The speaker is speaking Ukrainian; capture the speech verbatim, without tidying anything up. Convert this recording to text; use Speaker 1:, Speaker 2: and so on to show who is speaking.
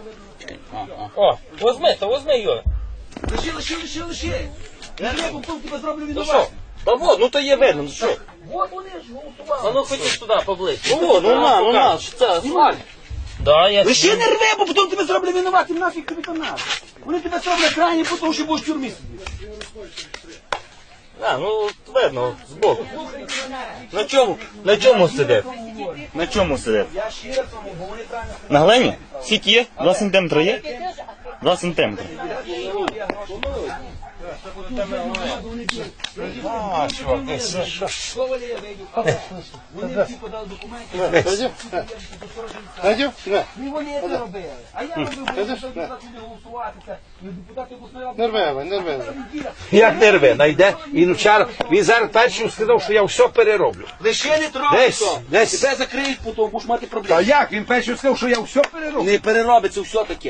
Speaker 1: О, возьми, то возьми його.
Speaker 2: Лиши, лиши, лиши, лиши. Я не був, тебе зроблю
Speaker 1: Ну що?
Speaker 2: винувати.
Speaker 1: Та вот, ну то є видно, ну що?
Speaker 2: Вот вони ж голосували.
Speaker 1: А ну ходіть туди поближче.
Speaker 3: Ну, ну на, ну на, що це асфальт.
Speaker 1: Да, я...
Speaker 2: Лиши не рви, бо потім тебе зроблю винуватим, нафіг тобі там надо. Вони тебе зроблять крайні, потім що будеш в тюрмі сидіти.
Speaker 1: А, ну видно, збоку. На чому? На чому сидить?
Speaker 3: На чому сидить?
Speaker 2: Я щиро тому, бо вони правильно
Speaker 3: На глині? Скільки є? Два сантиметри є? Два сантиметри.
Speaker 1: А, чуваки,
Speaker 2: сказали, я вийду. Вони всі подали документи.
Speaker 4: Надю? На.
Speaker 2: Не вони це робили. А я робив, бо я хотів голосувати. Депутати обласної ради.
Speaker 4: Не рве, не рве.
Speaker 5: Як не рве, найде. Він вчора, він зараз першим сказав, що я все перероблю.
Speaker 2: Лише не трогай
Speaker 5: Десь,
Speaker 2: то.
Speaker 5: десь.
Speaker 2: Тебе закриють потім, будеш мати
Speaker 5: Та
Speaker 2: проблеми.
Speaker 5: як? Він першим сказав, що я все перероблю.
Speaker 2: Не переробиться все таке.